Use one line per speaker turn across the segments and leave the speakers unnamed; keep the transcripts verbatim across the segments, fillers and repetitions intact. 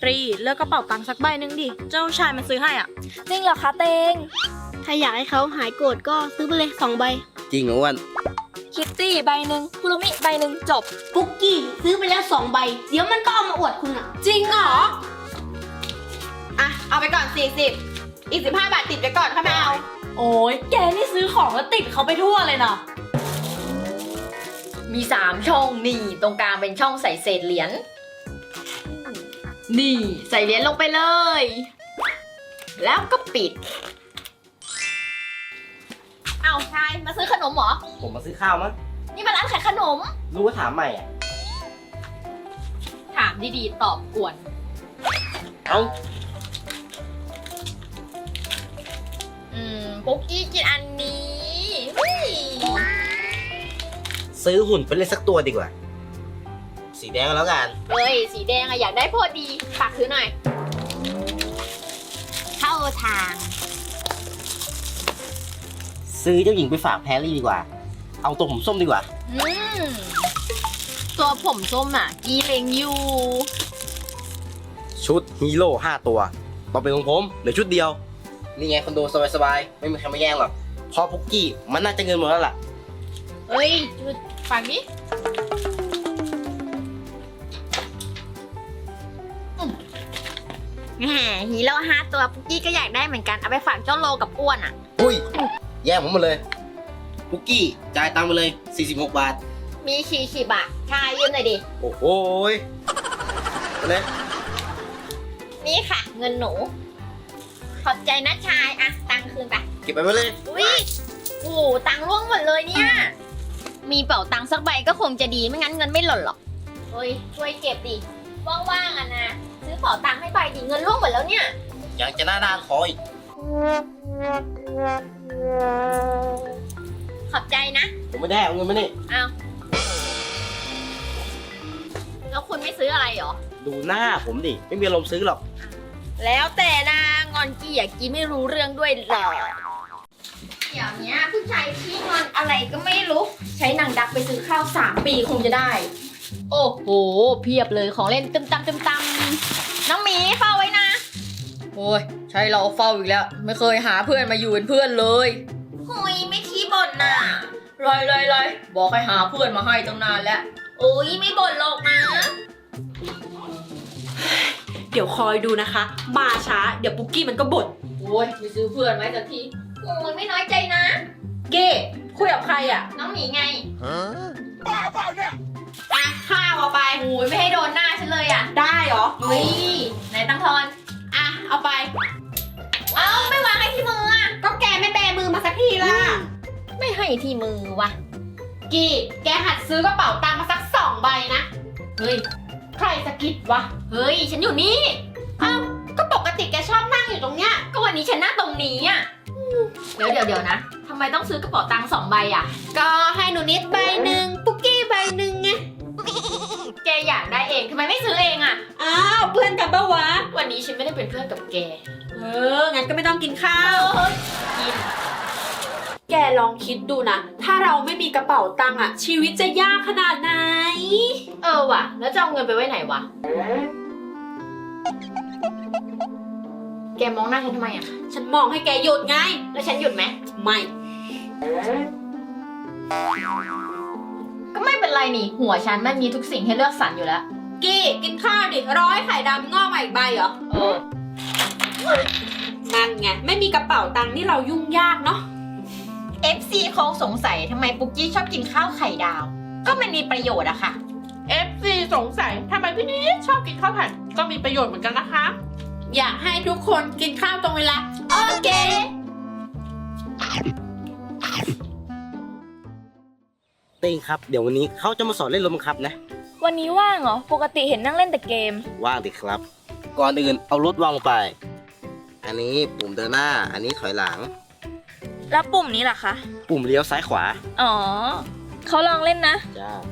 รีเลือกกระเป๋าตังค์สักใบหนึ่งดิเจ้าชายมันซื้อให้อ่ะ
จริงเหรอคะเตงถ้าอยากให้เขาหายโกรธก็ซื้อไปเลยสองใบ
จริงเหรออ้วน
คิตตี้ใบหนึ่งคุรุมิใบหนึ่งจบ
ปุกกี้ซื้อไปแล้วสองใบ เดี๋ยวมันก็เอามาอวดคุณอ่ะ
จริงเหรออ่ะเอาไปก่อนสี่สิบอีกสิบห้าบาทติดไปก่อนค่อยมาเอาโอ้ยแกนี่ซื้อของแล้วติดเขาไปทั่วเลยเนาะ
มีสามช่องนี่ตรงกลางเป็นช่องใส่เศษเหรียญนี่ใส่เหรียญลงไปเลย แล้วก็ปิดเอาชายมาซื้อขนมเหรอ
ผมมาซื้อข้าวมั้ง
นี่มันร้านขายขนม
รู้ว่าถามใหม่อ่ะ
ถามดีๆตอบกวน
เอ้า
อืมปุ๊กกี้กินอันนี้อุ๊ย
ซื้อหุ่นไปเล่นสักตัวดีกว่า สีแดงก็แล้วกัน
เฮ้ยสีแดงอะอยากได้พอดีฝากซื้อหน่อยเข้าทาง
ซื้อเจ้าหญิงไปฝากแพรรี่ดีกว่า เอาตัวผมส้มดีกว่า
อืมตัวผมส้มอ่ะกีเลงอยู่
ชุดฮีโร่ห้าตัวต่อเป็นของผมเหลือชุดเดียว นี่ไงคอนโดสบายๆไม่มีใครมาแย่งหรอกเพอพุกกี้มันน่าจะเงินหมดแล้วล่ะ
เฮ้ยจุดฝากดิแหมฮีโร่ห้าตัวปุ๊กกี้ก็อยากได้เหมือนกัน เอาไปฝากเจ้าโลกับอ้วนอ่ะ
อุ้ย แย่งผมหมดเลยพุกกี้จ่ายตังค์ไปเลยสี่สิบหกบาท
มีชีชีบะชายยืมหน่อยดิ
โอ้โหยไปเลย
นี่ค่ะ เงินหนู ขอบใจนะชายอะตังค์คืนไป
เก็บไปไว้เลย
อุ้ยโอ้โหตังค์ร่วงหมดเลยเนี่ย มีเป๋าตังค์สักใบก็คงจะดีไม่งั้นเงินไม่หล่นหรอกเฮ้ยช่วยเก็บดิว่างๆอ่ะนะซื้อเป๋าตังค์ให้ใบดิเงินร่วงหมดแล้วเนี่ย
อยากจะหน้าด้านขออีก
ขอบใจนะ
ผมไม่ได้เอาเงินมานี่
เอาแล้วคุณไม่ซื้ออะไรเหรอ
ดูหน้าผมดิ ไม่มีอารมณ์ซื้อหรอก
แล้วแต่นะงอนกี้อยากกี้ไม่รู้เรื่องด้วยหรอเดี๋ยวนี้ผู้ชายขี้งอนอะไรก็ไม่รู้ ใช้หนังดักไปซื้อข้าวสามปีคงจะได้ โอ้โหเพียบเลยของเล่นตึมตำตึมตำน้องหมีเฝ้าไว้นะ โอ้ยใช่เราเฝ้าอีกแล้ว ไม่เคยหาเพื่อนมาอยู่เป็นเพื่อนเลยหุยไม่ขี้บ่นน่ะลอยลอยลอยบอกให้หาเพื่อนมาให้ตั้งนานแล้วโอ้ยไม่บ่นหรอกนะ
เดี๋ยวคอยดูนะคะ มาช้าเดี๋ยวปุกกี้มันก็บ่น
โอ้ยไปซื้อเพื่อนไว้สักทีโอ้ยไม่น้อยใจนะ
เก้คุยกับใครอ่ะ
น้องหมีไง
อ่ะข้าวเอาไป
โอ้ยไม่ให้โดนหน้าฉันเลยอ่ะ
ได้เหรอ
เฮ้ยไหนตังทอน
อ่ะเอาไป
เอ้าไม่วางให้ที่มืออ่ะ
ก็แกไม่แบมือมาสักทีล่ะ
ไม่ให้ที่มือวะ
กี้แกหัดซื้อกระเป๋าตังค์มาสักสองใบนะ
เฮ้ย
ใครสะกิดวะ
เฮ้ยฉันอยู่นี่
อ้าวก็ปกติแกชอบนั่งอยู่ตรงเนี้ย
ก็วันนี้ฉันนั่งตรงนี้อ่ะเดี๋ยวเดี๋ยวเดี๋ยวนะทำไมต้องซื้อกระเป๋าตังค์สองใบอ่ะ
ก็ให้หนูนิดใบหนึ่งปุกกี้ใบหนึ่งไง
แกอยากได้เองทำไมไม่ซื้อเองอ่ะ
อ้าวเพื่อนกันปะวะ
วันนี้ฉันไม่ได้เป็นเพื่อนกับแก
เออ งั้นก็ไม่ต้องกินข้าว
เฮ้ยกิน
แกลองคิดดูนะ ถ้าเราไม่มีกระเป๋าตังค์อะชีวิตจะยากขนาดไหน
เออว่ะ แล้วจะเอาเงินไปไว้ไหนวะ แกมองหน้าฉันทำไมอ่ะ
ฉันมองให้แกหยุดไง
แล้วฉันหยุดไหม
ไม่
ก็ไม่เป็นไรนี่ หัวฉันมันมีทุกสิ่งให้เลือกสรรอยู่แล้ว
กี้กินข้าวดิร้อยไข่ดำงอกมาอีกใบเหรอ
เออ
นั่นไง ไม่มีกระเป๋าตังค์นี่เรายุ่งยากเนาะ
เอฟ ซี คงสงสัยทำไมปุ๊กกี้ชอบกินข้าวไข่ดาว ก็มันมีประโยชน์อะค่ะ
เอฟ ซี สงสัยทำไมพี่นิดชอบกินข้าวผัดก็มีประโยชน์เหมือนกันนะคะ
อยากให้ทุกคนกินข้าวตรงเวลา
โอเค
เต้งครับ เดี๋ยววันนี้เขาจะมาสอนเล่นรถบังคับนะ
วันนี้ว่างเหรอ ปกติเห็นนั่งเล่นแต่เกม
ว่างดิครับ ก่อนอื่นเอารถวางลงไป อันนี้ปุ่มเดินหน้า อันนี้ถอยหลัง
แล้วปุ่มนี้ล่ะคะ
ปุ่มเลี้ยวซ้ายขวา
อ๋อ เขาลองเล่นนะ
จ้า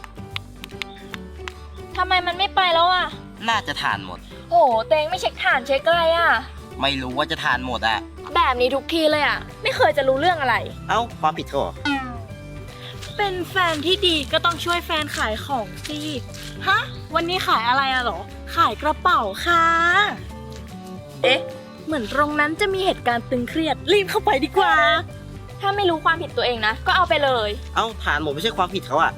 ทำไมมันไม่ไปแล้วอ่ะ
น่าจะทานหมด
โหเตงไม่เช็คฐานเช็คอะไรอ่ะ
ไม่รู้ว่าจะทานหมดอ่ะ
แบบนี้ทุกทีเลยอ่ะ ไม่เคยจะรู้เรื่องอะไร
เอ้าความผิดเขาเหรอ
ไป
เป็นแฟนที่ดีก็ต้องช่วยแฟนขายของสิฮะวันนี้ขายอะไรอะหรอขายกระเป๋าค่ะเอ๊ะเหมือนตรงนั้นจะมีเหตุการณ์ตึงเครียดรีบเข้าไปดีกว่า
ถ้าไม่รู้ความผิดตัวเองนะ ก็เอาไปเลย
เอ้าฐานหมดไม่ใช่ความผิดเขาอะ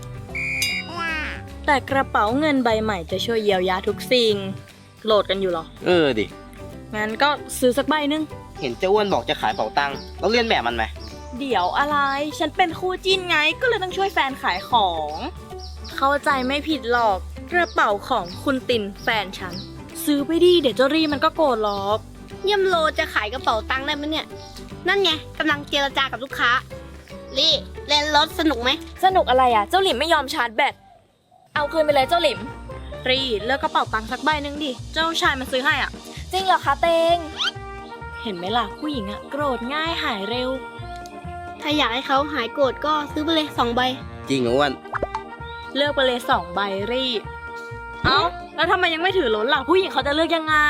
แต่กระเป๋าเงินใบใหม่จะช่วยเยียวยาทุกสิ่งโหลดกันอยู่หรอ
เออดิ
งั้นก็ซื้อสักใบหนึง
เห็นเจ้าอ้วนบอกจะขายเป๋าตังค์แล้วเลียนแบบมันไหม
เดี๋ยวอะไรฉันเป็นคู่จิ้นไงก็เลยต้องช่วยแฟนขายของ เข้าใจไม่ผิดหรอกกระเป๋าของคุณตินแฟนฉันซื้อไปดิเดี๋ยวเจ้ารีมันก็โกรธหรอก
เยี่ยมโลจะขายกระเป๋าตังค์ได้ไหมเนี่ย นั่นไงกำลังเจรจากับลูกค้า ลี่เล่นรถสนุกไหม
สนุกอะไรอ่ะ เจ้าหลิมไม่ยอมชาร์จแบต เอาคืนไปเลยเจ้าหลิม
รีเลือกกระเป๋าตังค์สักใบหนึงดิเจ้าชายมันซื้อให้อ่ะ
จริงเหรอคะเตง
เห็นไหมล่ะผู้หญิงอะโกรธง่ายหายเร็ว
ถ้าอยากให้เขาหายโกรธก็ซื้อไปเลยสองใบ
จริงเหรออ้วน
เลือกไปเลยสองใบรีเอ้าแล้วทำไมยังไม่ถือล้นล่ะผู้หญิงเขาจะเลือกยังไง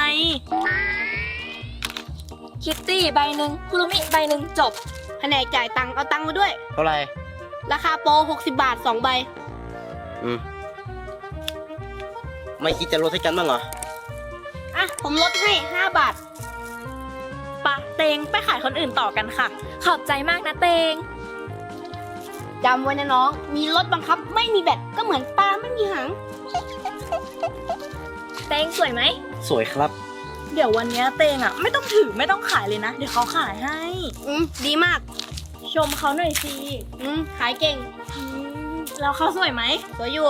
คิตตี้ใบหนึ่งคุรุมิใบหนึ่งจบ
แผนกจ่ายตังค์เอาตังค์มาด้วย
เท่าไหร่
ราคาโปรหกสิบบาทสองใบ
อืมไม่คิดจะลดให้กันบ้างเหรอ
อ่ะ ผมลดให้ห้าบาท
ปะเตงไปขายคนอื่นต่อกันค่ะ
ขอบใจมากนะเตง
จำไว้นะน้อง มีรถบังคับไม่มีแบตก็เหมือนปลาไม่มีหาง
เตงสวยไหม
สวยครับ
เดี๋ยววันเนี้ยเตงอะไม่ต้องถือไม่ต้องขายเลยนะ เดี๋ยวเขาขายให้
อืม ดีมาก
ชมเขาหน่อยสิ
อืม ขายเก่ง
อืมแล้วเขาสวยไหม
สวยอยู่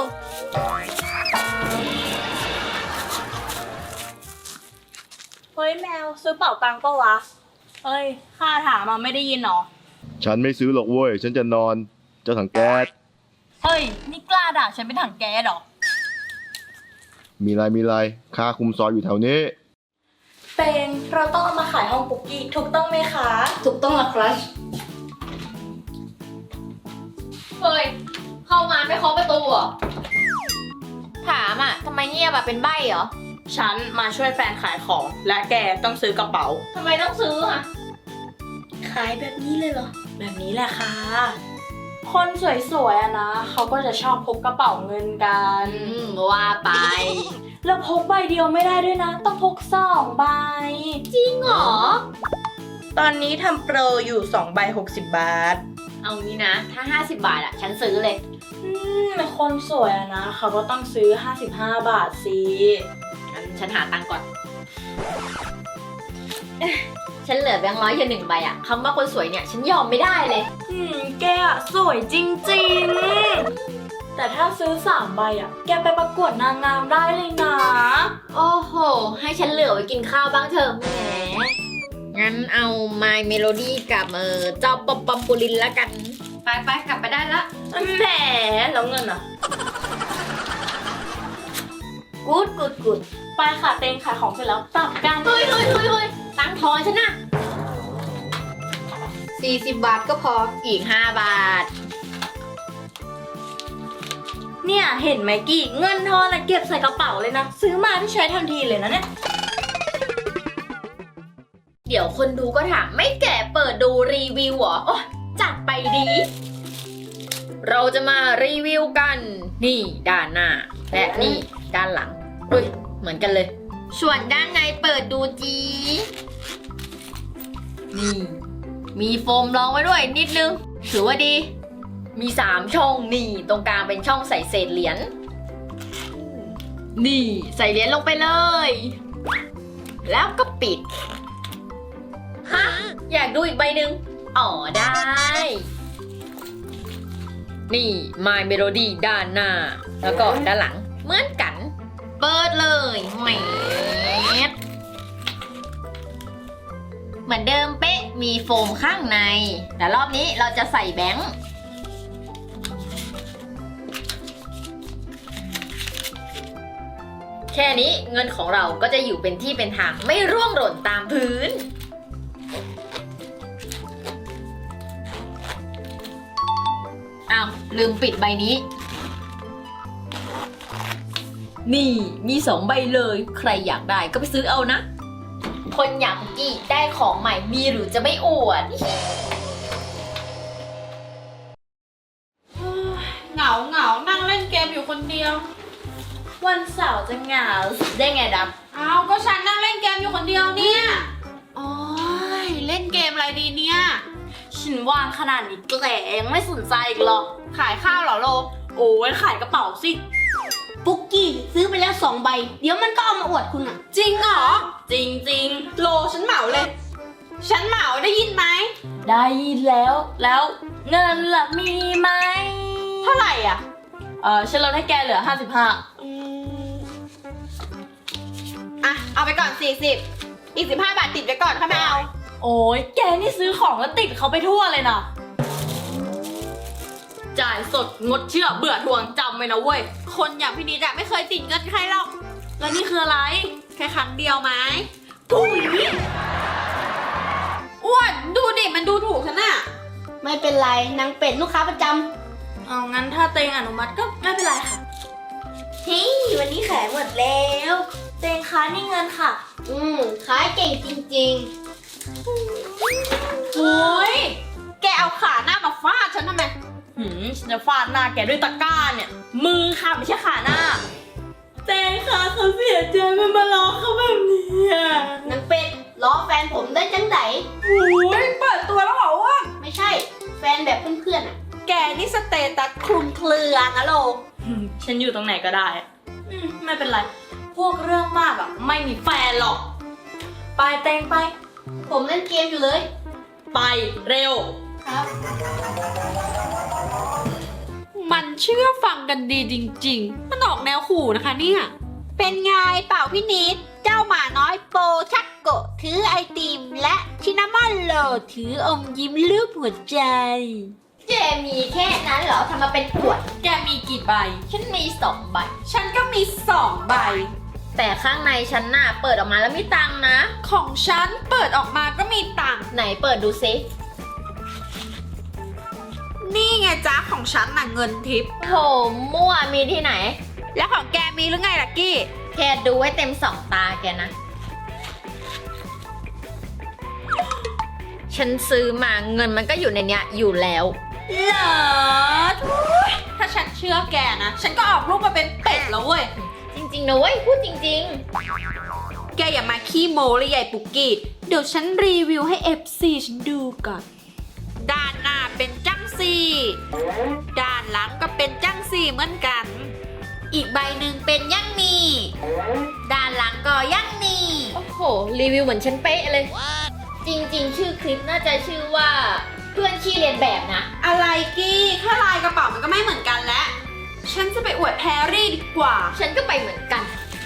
เฮ้ยแมวซื้อเป๋าตังค์ปะวะเฮ้ยข้าถามมาไม่ได้ยินหรอ
ฉันไม่ซื้อหรอกเว้ย ฉันจะนอน เจ้าถังแก๊ส
เฮ้ยนี่กล้าด่าฉันเป็นถังแก๊สเหรอ
มีไรมีไรค่าคุมซอยอยู่แถวนี้
เตงเราต้องเอามาขายห้องปุกกี้ถูกต้องไหมคะ
ถูกต้องละครับ
เฮ้ย เข้ามาไม่เคาะประตูเหรอ ถามอ่ะทำไมเงียบอ่ะเป็นใบ้เหรอ
ฉันมาช่วยแฟนขายของ และแกต้องซื้อกระเป๋า
ทำไมต้องซื้ออ่ะ
ขายแบบนี้เลยเหรอ
แบบนี้แหละค่ะ คนสวยๆอะนะเขาก็จะชอบพกกระเป๋าเงินกัน
อืม ว่าไป
แล้วพกใบเดียวไม่ได้ด้วยนะ ต้องพกสองใบ
จริงเหรอ
ตอนนี้ทำโปรอยู่สองใบหกสิบบาท
เอางี้นะ ถ้า ห้าสิบบาทอ่ะ ฉันซื้อเลย
อืมคนสวยอะนะเขาก็ต้องซื้อห้าสิบห้าบาทสิ
งั้นฉันหาตังค์ก่อนเอ๊ะฉันเหลือแบงค์ร้อยอยู่หนึ่งใบอะคำว่าคนสวยเนี่ย ฉันยอมไม่ได้เลย
อืมแกอะสวยจริงๆ แต่ถ้าซื้อสามใบอะแกไปประกวดนางงามได้เลยนะ
โอ้โห ให้ฉันเหลือไว้กินข้าวบ้างเถอะแหม งั้นเอา My Melody กับเออเจ้าปอมปอมปูลินละกัน ไปไปกลับไปได้ละ
แหมแล้วเงินอะ
กูดกูดกูด
ไปค่ะเต็งขายของเสร็จแล้วกลับกัน
เฮ้ยเฮ้ยเฮ้ยเฮ้ยตังค์ทอนฉันนะ
สี่สิบบาทก็พอ
อีกห้าบาท
เนี่ยเห็นไหมกี่เงินทอนอะเก็บใส่กระเป๋าเลยนะ ซื้อมาที่ใช้ทันทีเลยนะเนี่ย
เดี๋ยวคนดูก็ถามไม่แก่เปิดดูรีวิวเหรอ โอ๊ยจัดไปดี เราจะมารีวิวกัน นี่ด้านหน้า และนี่ด้านหลังอุ้ยเหมือนกันเลย ส่วนด้านในเปิดดูจี นี่ มีโฟมรองไว้ด้วยนิดนึง ถือว่าดี มีสามช่องนี่ ตรงกลางเป็นช่องใส่เศษเหรียญ นี่ใส่เหรียญลงไปเลย แล้วก็ปิด ฮะ อยากดูอีกใบหนึ่งอ๋อได้ นี่ My Melody ด้านหน้า แล้วก็ด้านหลังเหมือนกัน เปิดเลยแหมดเหมือนเดิมเป๊ะ มีโฟมข้างใน แต่รอบนี้เราจะใส่แบงค์ แค่นี้เงินของเราก็จะอยู่เป็นที่เป็นทางไม่ร่วงหล่นตามพื้น อ้าว ลืมปิดใบนี้ นี่มีสองใบเลย ใครอยากได้ก็ไปซื้อเอานะ คนอย่างกี้ได้ของใหม่มีหรือจะไม่อวด
มอยู่คนเดียว
วันเสาร์จะเหงาได้ไงดับ
อ้าวก็ฉันนั่งเล่นเกมอยู่คนเดียวเนี่ยโอ้ยเล่นเกมอะไรดีเนี่ย
ฉันว่างขนาดนี้แกยังไม่สนใจอีกหรอ
ขายข้าวเหรอโล
โอ้ยขายกระเป๋าสิ
ปุกกี้ซื้อไปแล้วสองใบ เดี๋ยวมันก็เอามาอวดคุณอ่ะ
จริงเหรอ
จริงจริง
โลฉันเหมาเลย ฉันเหมาได้ยินไหม
ๆได้แล้ว แล้วเงินล่ะมีไหม
เท่าไหร่อ่ะ
เออฉันลดให้แกเหลือห้าสิบห้า
อ่ะ เอาไปก่อนสี่สิบอีกสิบห้าบาทติดไว้ก่อนค่ะแมว
โอ้ยแกนี่ซื้อของแล้วติดเขาไปทั่วเลยนะจ่ายสดงดเชื่อเบื่อทวงจำไว้นะเว้ย
คนอย่างพี่นิดอะไม่เคยติดเงินใครหรอก
แล้วนี่คืออะไร
แค่ครั้งเดียวไหม
ถุย
อ้วนดูดิมันดูถูกฉันอะ
ไม่เป็นไรนางเป็ดลูกค้าประจ
เอางั้นถ้าเตงอนุมัติก็ไม่เป็นไรค่ะ
ำเฮ้ยวันนี้ขายหมดแล้ว
เตงคะนี่เงินค่ะ
อืมขายเก่งจริง
โอ้ยแกเอาขาหน้ามาฟาดฉันทำไม
หืมฉันจะฟาดหน้าแกด้วยตะกร้าเนี่ย มือค่ะไม่ใช่ขาหน้าเตงคะเขาเสียใจมันมาล้อเขาแบบนี้อ่ะ
ๆนางเป็ดล้อแฟนผมได้จังไหน
โอ้ยเปิดตัวแล้วเหรออ้วน
ไม่ใช่ แฟนแบบเพื่อนๆอ่ะ
แกนี่สเตตัสคลุมเครือนะโล
หืมฉันอยู่ตรงไหนก็ได้อืมไม่เป็นไร พวกเรื่องมากอ่ะไม่มีแฟนหรอก ไปเตงไป
ผมเล่นเกมอยู่เลย
ไปเร็ว
ครับ
มันเชื่อฟังกันดีจริงๆ มันออกแนวขู่นะคะเนี่ย เป็นไงเปล่าพี่นิด เจ้าหมาน้อยโปชักโกะถือไอติมและชินามอนโลถืออมยิ้มรูปหัวใจ
แกมีแค่นั้นเหรอทำมาเป็นอวด
แกมีกี่ใบ
ฉันมีสองใบ
ฉันก็มีสองใบ
แต่ข้างในฉันน่ะเปิดออกมาแล้วมีตังค์นะ
ของฉันเปิดออกมาก็มีตังค์
ไหนเปิดดูซิ
นี่ไงจ้าของฉันน่ะเงินทิป
โถมั่วมีที่ไหน
แล้วของแกมีหรือไงล่ะกี้
แค่ดูไว้เต็มสองตาแกนะ ฉันซื้อมาเงินมันก็อยู่ในเนี้ยอยู่แล้ว
เหรอทุยถ้าฉันเชื่อแกนะ ฉันก็ออกรูปมาเป็นเป็ดแล้วเว้ย
จริงๆนะเว้ยพูดจริง
แกอย่ามาขี้โม้เลยใหญ่ปุกกี้ เดี๋ยวฉันรีวิวให้ เอฟ ซี ฉันดูก่อน ด้านหน้าเป็นจังซีด้านหลังก็เป็นจังซีเหมือนกัน อีกใบหนึ่งเป็นยั่งนีด้านหลังก็ยั่งนี
ๆ โอ้โห รีวิวเหมือนฉันเป๊ะเลย จริงๆ ชื่อคลิปน่าจะชื่อว่าเพื่อนขี้เรียนแบบนะ
อะไรกี้แค่ลายกระเป๋ามันก็ไม่เหมือนกันแล้ว ฉันจะไปอวดแพรรี่ดีกว่า
ฉันก็ไปเหมือนกัน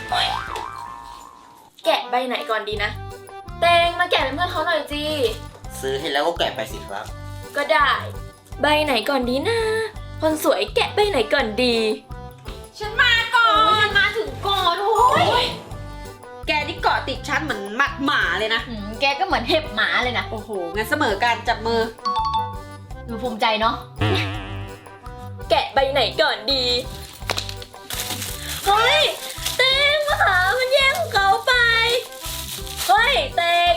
แกะใบไหนก่อนดีนะ เตงมาแกะเป็นเพื่อนเขาหน่อยจี
ซื้อให้แล้วก็แกะไปสิครับ
ก็ได้ ใบไหนก่อนดีนะ คนสวยแกะใบไหนก่อนดี
ฉันมาก่อน
มาถึงก่อนโอ้ย
แกนี่เกาะติดฉันเหมือนหมัดหมาเลยนะ
หืมแกก็เหมือนเห็บหมาเลยนะ
โอ้โห งั้นเสมอการจับมือ
ดูภูมิใจเนาะ
แกะใบไหนก่อนดี เฮ้ย เตงมาหามันแย่งของเขาไป เฮ้ย เตง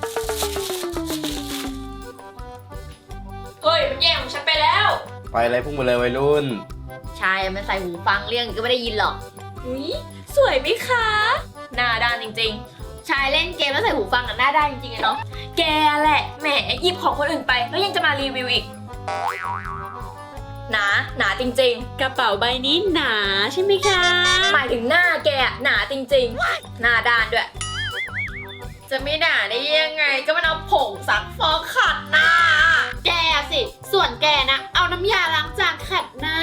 เฮ้ย มันแย่งของฉันไปแล้ว
ไปอะไรพุ่งมาเลยวัยรุ่น
ชายมันใส่หูฟังเรื่องก็ไม่ได้ยินหรอก
อุ๊ย สวยไหมคะ หน้าด้านจริง
ชายเล่นเกมแล้วใส่หูฟังกันหน้าได้จริงๆอะเนาะ
ๆ แกแหละ แหมหยิบของคนอื่นไป แล้วยังจะมารีวิวอีก หนา หนาจริง
กระเป๋าใบนี้หนาใช่ไหมคะ
ๆ หมายถึงหน้าแกอะหนาจริงๆ หน้าด้านด้วย จะไม่หนาได้ยังไง ก็มันเอาผงซักฟอกขัดหน้า
แกสิ ส่วนแกนะ เอาน้ำยาล้างจานขัดหน้า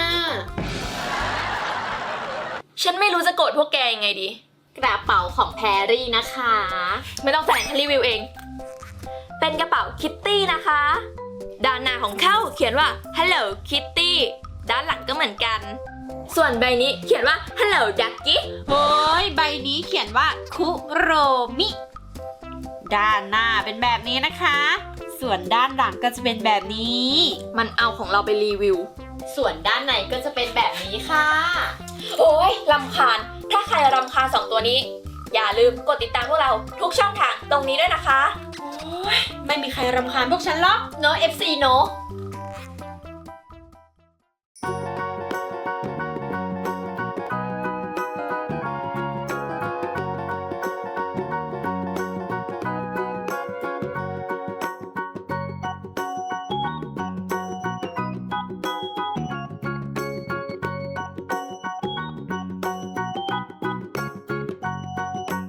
ฉันไม่รู้จะโกรธพวกแกยังไงดี
กระเป๋าของแพรรี่นะคะ
ไม่ต้องแสดงฉันรีวิวเอง เป็นกระเป๋าคิตตี้นะคะ ด้านหน้าของเขาเขียนว่า Hello Kitty ด้านหลังก็เหมือนกัน ส่วนใบนี้เขียนว่า Hello Ducky
โอ้ยใบนี้เขียนว่าคุโรมิ ด้านหน้าเป็นแบบนี้นะคะ ส่วนด้านหลังก็จะเป็นแบบนี้
มันเอาของเราไปรีวิว
ส่วนด้านในก็จะเป็นแบบนี้ค่ะ
โอ้ยรำคาญ ถ้าใครรำคาญสองตัวนี้ อย่าลืมกดติดตามพวกเราทุกช่องทางตรงนี้ด้วยนะคะ
ไม่มีใครรำคาญพวกฉันหรอก
เนอะ เอฟ ซี เนอะ